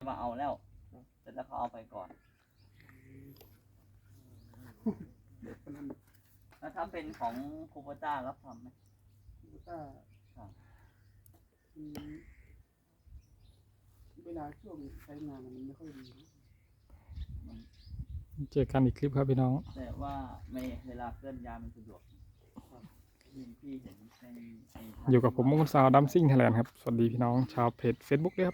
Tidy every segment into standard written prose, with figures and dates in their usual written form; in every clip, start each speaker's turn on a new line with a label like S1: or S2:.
S1: มาเอาแล้วแต่แล้วเขาเอาไปก่อนแล้วถ้าเป็นของคูโบต้ารับทำไหม
S2: คูโบต้าเวลาช่วงใช้งานมันไม่ค่อยดี
S3: เจอกันอีกคลิปครับพี่น้อง
S1: แต่ว่าไม่เวลาเคลื่อนย้ายมันสะดวกพี่เห็น
S3: อยู่กับผมมงคลสาวดัมซิ่งไทยแลนด์ครับสวัสดีพี่น้องชาวเพจ Facebook ด้วยครับ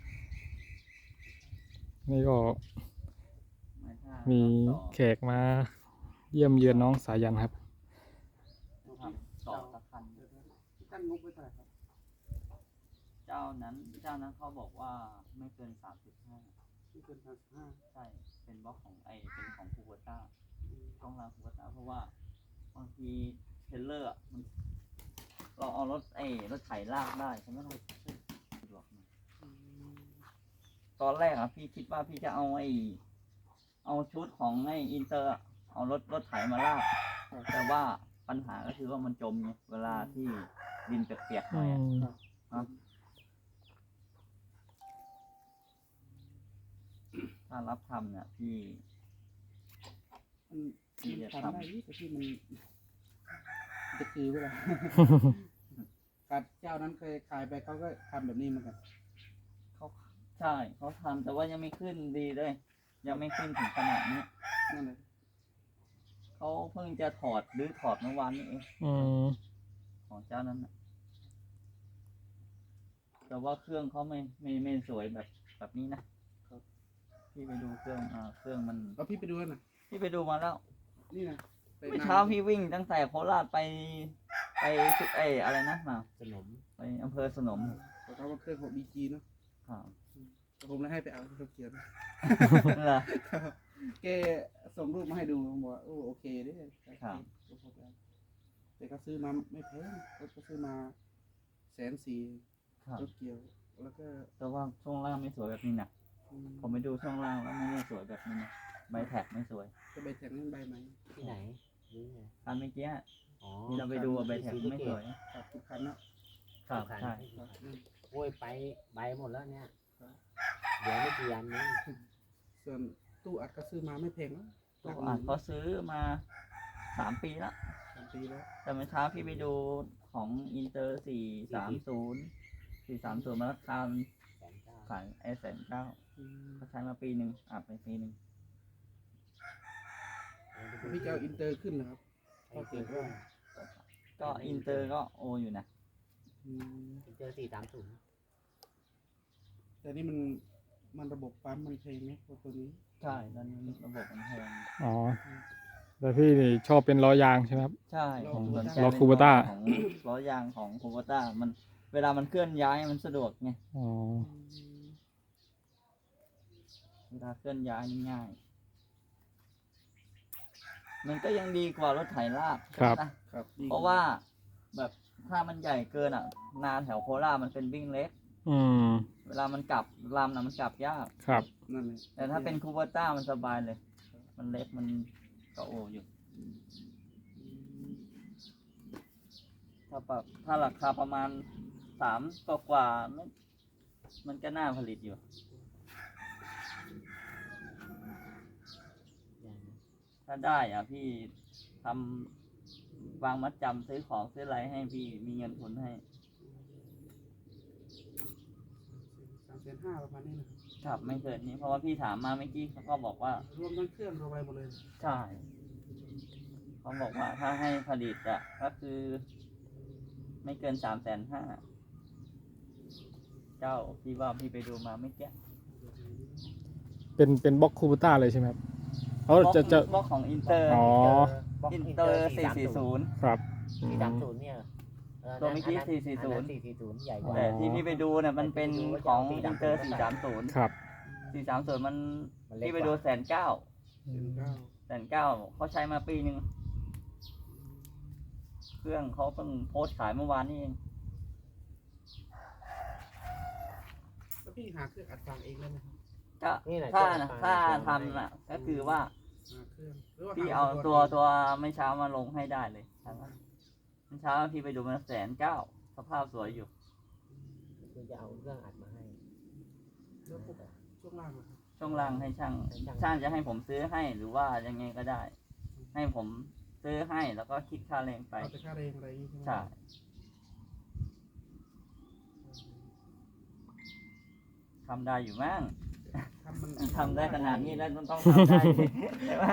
S3: นี่ก็มีแขกมาเยี่ยมเยือนน้องสายันครับ
S1: ต่อสักคัน
S2: ตั้งงบไว้เท่าไหร่ครับ
S1: เจ้านั้นเขาบอกว่าไม่เกิน35
S2: ไม่เกิน35
S1: ใช่เป็นบล็อกของเป็นของคูโบต้าต้องรางคูโบต้าเพราะว่าบางทีเทรลเลอร์เราเอารถไถลากได้ใช่ไหมล่ะสะดวกตอนแรกพี่คิดว่าพี่จะเอาชุดของอินเตอร์เอารถไถมาลากแต่ว่าปัญหาก็คือว่ามันจมไงเวลาที่ดินเปียกๆหน่อยถ้ารับทำเนี่ยพี่
S2: จะทำได้แต่ที่มันจะคือเวลาการเจ้านั้นเคยขายไปเขาก็ทำแบบนี้เหมือนกัน
S1: ใช่เขาทำแต่ว่ายังไม่ขึ้นดีเลยยังไม่ขึ้นถึงขนาดนี้
S2: นั่นเลย
S1: เขาเพิ่งจะถอดเมื่อวานนี้เองของเจ้านั้นนะแต่ว่าเครื่องเขาไม่สวยแบบนี้นะพี่ไปดูเครื่องมัน
S2: พี่ไปดูนะ
S1: พี่ไปดูมาแล้ว
S2: นี่นะ
S1: เมื่อเช้าพี่วิ่งตั้งแต่โคราชไปสุดอะไรนะมา
S4: สนม
S1: ไปอำเภอสนม
S2: เขาว่าเครื่องของ BG เนาะผมเลยให้ไปเอาเขาเขียน
S1: เหรอ
S2: แกส่งรูปมาให้ดูผมบอกโอเคเด้แต่ก็ซื้อมาไม่แพงก็ซื้อมา140,000รถเกี่ยวแล้วก็
S1: แต่ว่าช่วงล่างไม่สวยแบบนี้นะผมไปดูช่วงล่างแล้วไม่สวยแบบนี้นะใบแท็กไม่สวย
S2: ก็ใบแท็กนั่นใบไหม
S4: ที่ไหน
S1: อันเมื่อกี้ที่เราไปดูใบแท็กไม่สวย
S2: ทุกคันเนาะ
S1: ใช่
S4: โอ้ยไปใบหมดแล้วเนี่ยเดี๋ยวไม่กี่อันนี้
S2: ส่วนตู้อัดก็ซื้อมาไม่แพงแล้ว
S1: ตู้อัดเขาซื้อมา3 ปีแล้วแต่เมื่อเช้าพี่ไปดูของอินเตอร์430มาราคาขาย190,000เขาใช้มาปีหนึ่งอัดไปปีหนึ่ง
S2: พี่จะเอาอินเตอร์ขึ้นนะครับ
S1: ก็อินเตอร์ก็โออยู่นะ
S4: อินเตอร์430
S2: แต่นี่มันระบบปั๊มมันแพงไหมตัวนี้
S1: ใช่ตอนนี้ระบบมันแพง
S3: แต่พี่นี่ชอบเป็นล้อยางใช่ไหมครับ
S1: ใช่
S3: ล้อคูโบต้า
S1: ของล้อยางของคูโบต้ามันเวลามันเคลื่อนย้ายมันสะดวกไงเวลาเคลื่อนย้ายง่ายมันก็ยังดีกว่ารถไถลาก
S3: ครับ
S1: เพราะว่าแบบถ้ามันใหญ่เกินนาแถวโคราชมันเป็นวิ่งเล็กเวลามันกลับลำมันกลับยาก
S3: ครับ
S2: นั่นเลย
S1: แต่ถ้าเป็นคูโบต้ามันสบายเลยมันเล็กมันก็โออยู่ถ้าราคาประมาณ3 กว่ามันก็น่าผลิตอยู่ถ้าได้พี่ทำวางมัดจำซื้อของซื้ออะไรให้พี่มีเงินทุนให้
S2: 350,000ประมาณนี้
S1: นะครับไม่เกินนี้เพราะว่าพี่ถามมาเมื่อกี้เขาก็บอกว่าร
S2: วมทั้งเครื่องรวมไปหมดเลย
S1: ใช่เขาบอกว่าถ้าให้ผลิตก็คือไม่เกิน350,000เจ้าพี่ว่าพี่ไปดูมาไม่แก่
S3: เป็นบล็อกคูโบต้าเลยใช่ไหมครับ
S1: จะบล็อกของอินเตอร์อินเตอร์440
S3: ครับ
S4: 430เนี่ย
S1: ตัวเมื่อกี้
S4: 440ใหญ่กว่า
S1: แต่ที่พี่ไปดูเนี่ยมันเป็นของอินเตอร์430
S3: ครับ
S1: 430มันพี่ไปดู190,000เขาใช้มาปีหนึ่งเครื่องเขาเพิ่งโพสต์ขายเมื่อวานนี้เอง
S2: แล้วพี่หาเครื่องอัดฟังเองได้ไหม
S1: ถ้าทำก็คือว่าพี่เอาตัวไม่เช้ามาลงให้ได้เลยไม่เช้าพี่ไปดูมัน190,000สภาพสวยอยู่
S4: คือจะเอาเครื่องอัดมาให้
S2: ช่วงล่างเหรอครับ
S1: ช่วงล่างให้ช่างจะให้ผมซื้อให้หรือว่ายังไงก็ได้ ให้ผมซื้อให้แล้วก็คิดค่าแรงไป
S2: เอาแต่ค่าแรงอะไรอย่างงี้ใช่ไหม
S1: ใช่ทำได้อยู่มั้ง
S2: ทำมัน
S1: ทำได้ขนาดนี้แล้วมันต้องทำได้สิใช่ไหม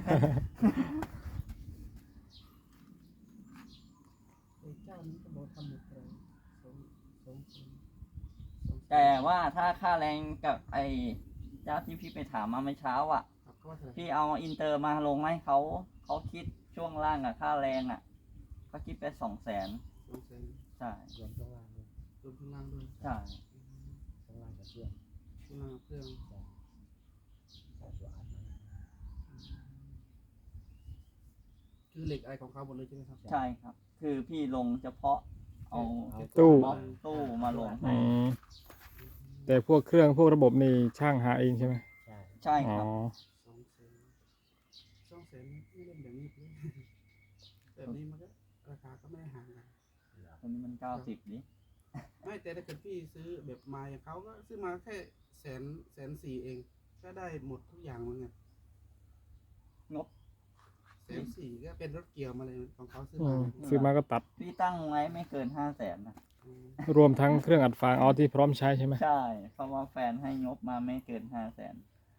S2: ไอ้เจ้านี้ก็บอกทำหมดเลยสองสอง
S1: แต่ว่าถ้าค่าแรงกับไอ้เจ้าที่พี่ไปถามมาเมื่อเช้าอ่ะ
S2: ครับก็ว่าเท่าไหร่
S1: พี่เอาอินเตอร์มาลงให้เขาคิดช่วงล่างอะค่าแรงอะเขาคิดไป200,000
S2: 200,000
S1: ใช่
S4: รวมช่วงล่างด้วย
S2: รวมข้างล่างด้วย
S1: ใช่
S4: ช่วงล่างกับเครื่อง
S2: ข้างล่างเครื่อง
S4: ใส่ตัวอัดมา
S2: คือเหล็กอะไรของเขาหมดเลยใช่ไหมครับ
S1: ใช่ครับ คือพี่ลงเฉพาะเอา
S3: ตู้
S1: บล็อกตู้มาลงให้
S3: อืมแต่พวกเครื่องพวกระบบนี่ช่างหาเองใช่ไหม
S4: ใช่
S1: ใช่
S3: อ๋
S1: ค
S3: อ
S1: รับ
S2: 200,000นี่เล่นแบบนี้เลยแบบนี้มันก็ราคาก็ไม่ได้ห่างกัน
S1: ตัวนี้มัน90นี่
S2: ไม่แต่ถ้าเกิดพี่ซื้อแบบมาอย่างเขาก็ซื้อมาแค่104,000เอง ก็ได้หมดทุกอย่างเหมือนกัน
S1: งบ
S2: 104,000ก็เป็นรถเกี่ยวมาเลยของเขาซื้อ
S3: อื
S2: มาม
S3: ซื้อมาก็ตัด
S1: พี่ตั้งไว้ไม่เกิน500,000นะ
S2: อืม
S3: รวมทั้งเครื่องอัดฟางเอาที่พร้อมใช้ใช่ไหม
S1: ใช่เพราะว่าแฟนให้งบมาไม่เกิน500,000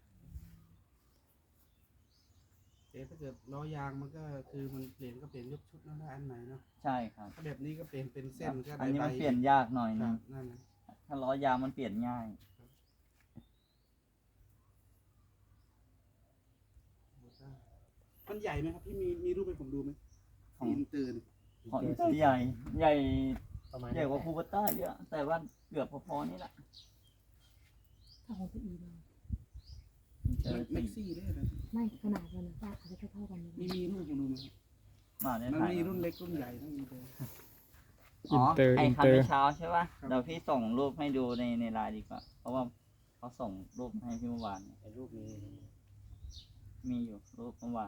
S2: แต่ถ้าเกิดล้อยางมันก็คือมันเปลี่ยนก็เปลี่ยนยกชุดนั่นได้อันไหนเนาะ
S1: ใช่ครับ
S2: ถ้าแบบนี้ก็เปลี่ยนเป็นเส้นก็
S1: อั
S2: ได้
S1: นนี้
S2: ใบ
S1: มันเปลี่ยนยากหน่อย
S2: ค
S1: นึ
S2: รั
S1: ง
S2: บนั่นนะ
S1: ถ้าล้อยางมันเปลี่ยนง่าย
S2: มันใหญ่ไหมครับพี่มีรูปให้ผมดูไหม
S1: ของ
S2: อินเตอร์นี่
S1: ของอินเตอร์ใหญ่ใหญ่
S4: ประมาณ
S1: ใหญ่กว่าคูเปต้าเยอะ แต่ว่าเกือบพอๆนี่แหละ
S5: ถ้าของพี่อีเลย
S1: อินเตอร์
S2: แม็ก
S1: สี่
S2: ซี่ได้ไหม
S5: ไม่ขนาดมันนะป้าอาจจะเท่าๆกันเลย
S2: มีรูปผมดูไหมครับ
S1: มาได้
S2: มัน
S1: ถ่าย
S2: มีรุ่นเล็กรุ่นใหญ่ทั้งอินเตอร์
S1: อ๋อ
S3: อินเตอร์
S1: ไอ
S3: อิน
S1: คัน
S3: เตอ
S1: เมื่
S3: ร์
S1: อเช้าใช่ป่ะ
S2: ครับ
S1: เดี๋ยวพี่ส่งรูปให้ดูในไลน์ดีกว่า เพราะว่าเขาส่งรูปให้พี่เมื่อวาน
S4: ไอ้รูปนี้
S1: มีอยู่รูปเมื่อวาน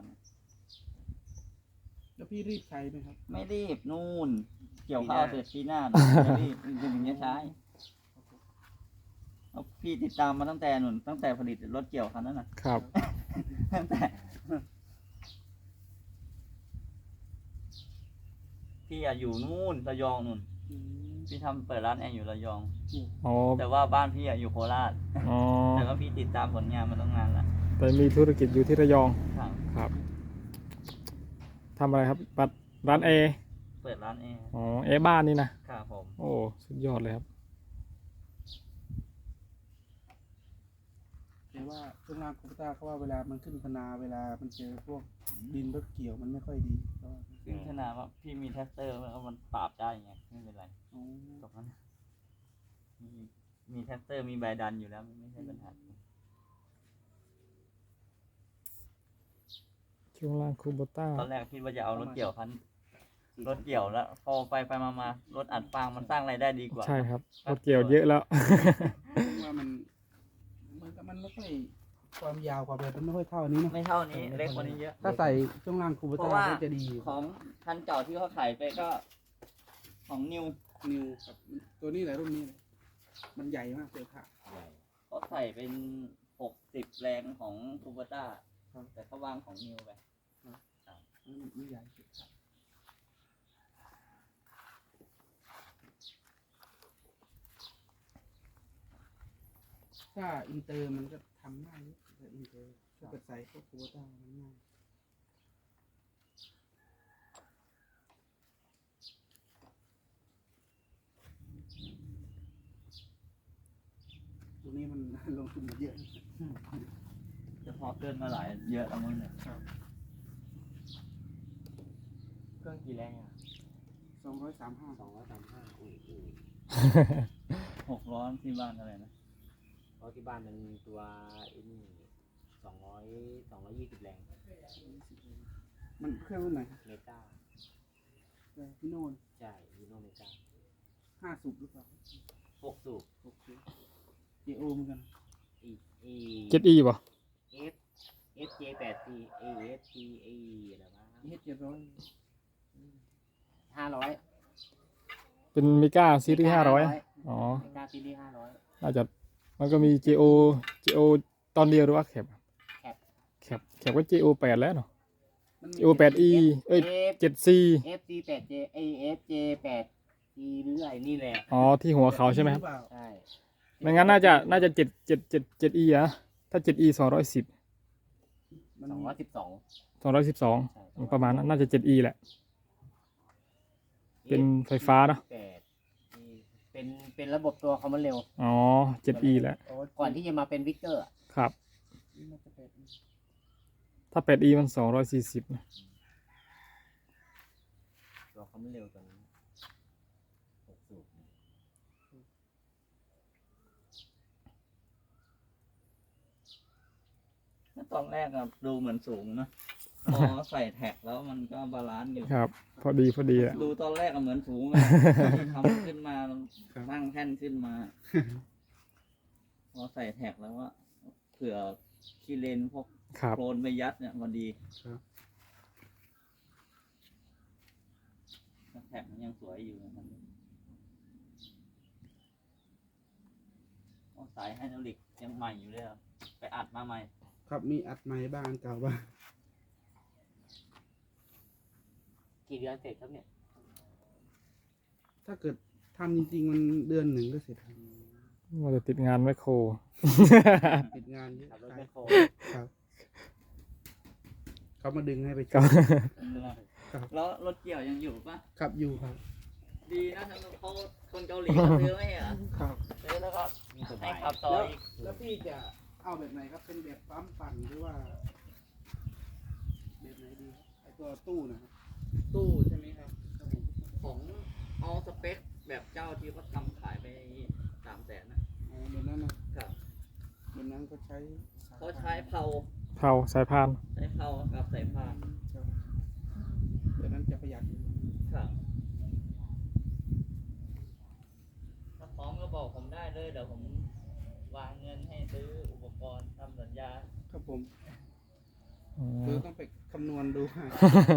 S2: แล้วพี่รีบใช้ไหมครับ
S1: ไม่รีบนู่น เกี่ยวข้าวเสร็จปีหน้าไม่รีบถึงจะใช้เอาพี่ติดตามมาตั้งแต่หนุนตั้งแต่ผลิตรถเกี่ยวคันนั้นน่ะ
S3: ครับ
S1: ตั้งแต่พี่อะอยู่นู่นระยองนู่น พี่ทำเปิดร้านแอร์อยู่ระยอง
S3: อ๋อ
S1: แต่ว่าบ้านพี่อะอยู่โคราช
S3: อ๋อ
S1: แต่ว่าพี่ติดตามผลงานมาตั้งนานแล้ว
S3: แต่มีธุรกิจอยู่ที่ระยอง
S1: ครับ
S3: ครับทำอะไรครับปัดร้านแอร์
S1: เปิดร้านแอร์
S3: อ๋อแอร์บ้านนี่นะครับ
S1: ผม
S3: โอ้สุดยอดเลยครับ
S2: แต่ว่าช่วงล่างคอมพิวเตอร์เขาว่าเวลามันขึ้นพนาเวลามันเจอพวกดินรถเกี่ยวมันไม่ค่อยดีก็
S1: ซึ่งขนาดว่าพี่มีแท็กเตอร์แล้วมันปราบได้ไงไม่เป็นไร
S2: อ๋อ
S1: ตรงนั้นมีแท็กเตอร์มีใบดันอยู่แล้วไม่ใช่ปัญหา
S3: ช่วงล่างคูโบต้า
S1: ตอนแรกคิดว่าจะเอารถเกี่ยวคันรถเกี่ยวแล้วพอไปมารถอัดฟางมันสร้างรายได้ดีกว่า
S3: ใช่ครับรถเกี่ยวเยอะแล้ว
S2: ว่ามันไม่ค่อยความยาวความอะไรมันไม่ค่อยเท่านี้เนอะ
S1: ไม่เท่านี้เล็กกว่านี้เยอะ
S2: ถ้าใส่ช่วงล่างคอมพิว
S1: เพ
S2: เตอ
S1: ราะ
S2: ร์
S1: ว่า
S2: ก็จะดี
S1: ของคันเก่าที่เขาขายไปก็ ของนิว
S2: นิวครับตัวนี้แหละรุ่นนี้เลยมันใหญ่มากเลยค่ะ
S4: ใหญ่
S1: เขาใส่เป็น60 แรงของคูเปต้าแต่เขาวางของนิวไป
S2: มันใหญ่สุดครับถ้าอินเตอร์มันก็ทำง่ายนิดแต่อินเตอร์ถ้าเกิดใส่พวกคอมพิวเตอร์มันง่ายตัวนี้มัน ลงทุนเยอะ
S1: จะพอเกินมาหลายเยอะแล้วมั้งเนี่ย
S4: เครื่องกี่แรงอ่ะ
S2: 235
S4: 235อุ้ย
S1: 6 ล้อที่บ้านอะไรนะ
S4: เพราะที่บ้านมันมีตัวไอ้นี่220 แรง
S2: มันเครื่องรุ่นไหน
S4: เมกา
S2: พี่โน่น
S4: ใช่ยูโนเมกา
S2: 5 สูบหรือเปล่า
S4: 6สูบ
S2: 6 สูบ JO เหมือนกัน
S4: อี
S3: เจ็ดอีป่ะ
S4: F FJ8C AFC A อะไรวะ
S2: EH700
S4: 500
S3: เป็นมิก้าซีรีส์500อ๋อ
S4: เมกาซีรีส์500
S3: น่าจะมันก็มี GO ตอนเดียวหรือว่าแคปแคปก็ GO 8แล้วเนาะ
S2: มันมี
S3: GO 8E เอ้ย 7C
S4: FG 8J FJ 8G หรืออะไรนี่แหละ
S3: อ๋อที่หัวเขาใช่ไหมครับ
S2: รือเปล่า
S4: ใช่
S3: ไม่งั้นน่าจะ7E อะถ้า 7E 210
S2: มัน
S3: 212ประมาณนั้นน่าจะ 7E แหละ เป็นไฟฟ้าเนอะ
S4: 8เป็นระบบตัวคอมมอนเร็ว
S3: อ๋อ 7E แหละ
S2: โอ้
S4: ก่อนที่จะมาเป็นวิกเตอร์
S3: ครับ
S2: น่าจะเป็น
S3: ถ้า 8E มัน240นะ
S4: ตัวคอมมอนเร็วตัวนี้6 สูบ
S1: ตอนแรกอะดูเหมือนสูงนะ พอใส่แท็กแล้วมันก็บาลานซ์อยู่
S3: ครับ พอดีแหละ
S1: ดูตอนแรกอะเหมือนสูงเลยทำขึ้นมาตั้งแท่นขึ้นมา พอใส่แท็กแล้วว่าเผื่อขี้เลนพวก
S3: ครับ
S1: โคลนไปยัดเนี่ยพอดี
S2: ครับ
S1: แท็กมันยังสวยอยู่นะครับสายไฮดรอลิกยังใหม่อยู่เลยครับไปอัดมาใหม่
S2: ครับมีอัดไม้บ้างเก่าบ้าง
S4: กี่เดือนเสร็จครับเนี่ย
S2: ถ้าเกิดทำจริงๆมันเดือนหนึ่งก็เสร็จครับ
S3: มันจะติดงานแมคโคร
S2: ติดงานเยอะ
S4: ขับรถแมคโคร
S2: ครับเขามาดึงให้ไป
S3: ครับ
S2: ครับ
S1: แล้วรถเกี่ยวยังอยู่ปะ
S2: ครับอยู่ครับ
S1: ดีนะทั้งเขาคนเกาหลีเขาซื้อไม่เหรอ
S2: ครับ
S1: ซื้อแล้วก็
S4: มีส
S1: ให้
S4: บาย
S1: ขับต่อ
S2: แล้ว
S1: อีก
S2: แล้วพี่จะเอาแบบไหนครับเป็นแบบปั๊มปั่นหรือว่าแบบไหนดีไอตัวตู้นะครับ
S1: ตู้ใช่ไหมครับ ของเอาสเปคแบบเจ้าที่เขาทำขายไป300,000นะ
S2: อ๋อแบบนั้นนะครับ แบบนั้นก็ใช้
S1: เขาใช้เผา
S3: เผาสายพาน
S1: ใช้เผากับสายพาน
S2: ครับแบบนั้นจะประหยัด
S1: ครับถ้าพร้อมก็บอกผมได้เลยเดี๋ยวผมวางเงินให้ซื้ออุปกรณ์ทำสัญญา
S2: ครับผม
S3: อืม
S2: คือต้องไปคำนวณดูให้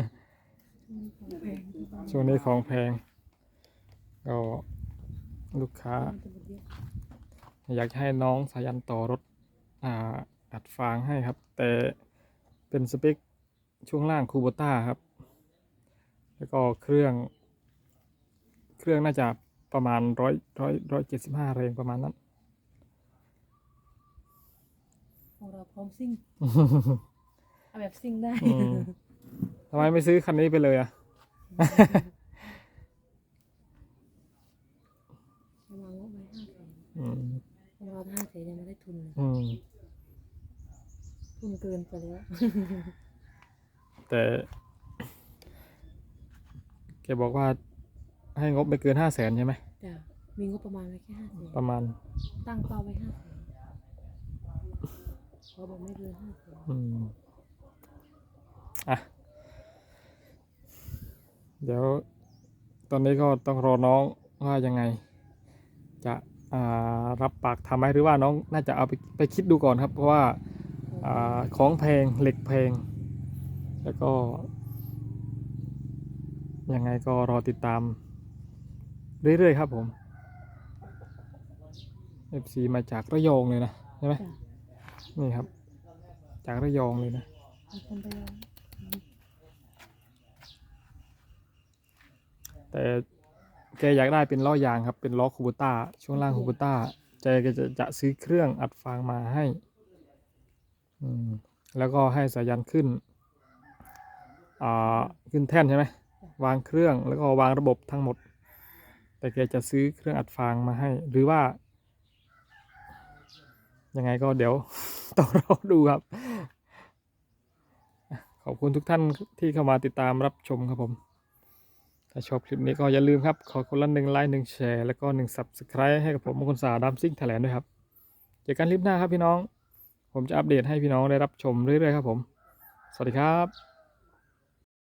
S3: ช่วงนี้ของแพงก็ลูกค้า อยากจะให้น้องสายันต่อรถอัดฟางให้ครับ แต่เป็นสเปคช่วงล่างคูโบต้าครับ แล้วก็เครื่องน่าจะประมาณ175 แรงประมาณนั้น
S5: ของเราพร้อมซิ่งเอาแบบซิ่งได้
S3: อืมทำไมไม่ซื้อคันนี้ไปเลยอ่ะ
S5: ประมาณงบไว้500,000
S3: อืม
S5: เรา500,000ยังไม่ได้ทุนเลย
S3: อืม
S5: ทุนเกินไปแล้ว
S3: แต่แกบอกว่าให้งบไม่เกิน500,000ใช่ไหม
S5: จ้ะมีงบประมาณไว้แค่500,000
S3: ประมาณ
S5: ตั้งเป้าไว้500,000เขาบอกไม่เกิน500,000
S3: อืมอ่ะ เดี๋ยวตอนนี้ก็ต้องรอน้องว่ายังไง จะรับปากทำไหมหรือว่าน้องน่าจะเอาไปคิดดูก่อนครับ เพราะว่าของแพงเหล็กแพง แล้วก็ ยังไงก็รอติดตาม เรื่อยๆครับผม FC มาจากระยองเลยนะใช่ไหม
S5: จ้ะ
S3: นี่ครับ จากระยองเลยนะ
S5: มีคนไปลอง
S3: แต่แกอยากได้เป็นล้อยางครับ เป็นล้อคูโบต้าช่วงล่างคูโบต้าแกจะซื้อเครื่องอัดฟางมาให้แล้วก็ให้สายันขึ้นขึ้นแท่นใช่ไหมวางเครื่องแล้วก็วางระบบทั้งหมด แต่แกจะซื้อเครื่องอัดฟางมาให้ หรือว่ายังไงก็เดี๋ยว ต้องรอดูครับ ขอบคุณทุกท่านที่เข้ามาติดตามรับชมครับผม ถ้าชอบคลิปนี้ก็อย่าลืมครับ ขอคนละ1 ไลค์ 1 แชร์แล้วก็1 Subscribe ให้กับผมมงคลสาดามซิ่งไทยแลนด์ด้วยครับเจอกันคลิปหน้าครับพี่น้อง ผมจะอัปเดตให้พี่น้องได้รับชมเรื่อยๆครับผม สวัสดีครับ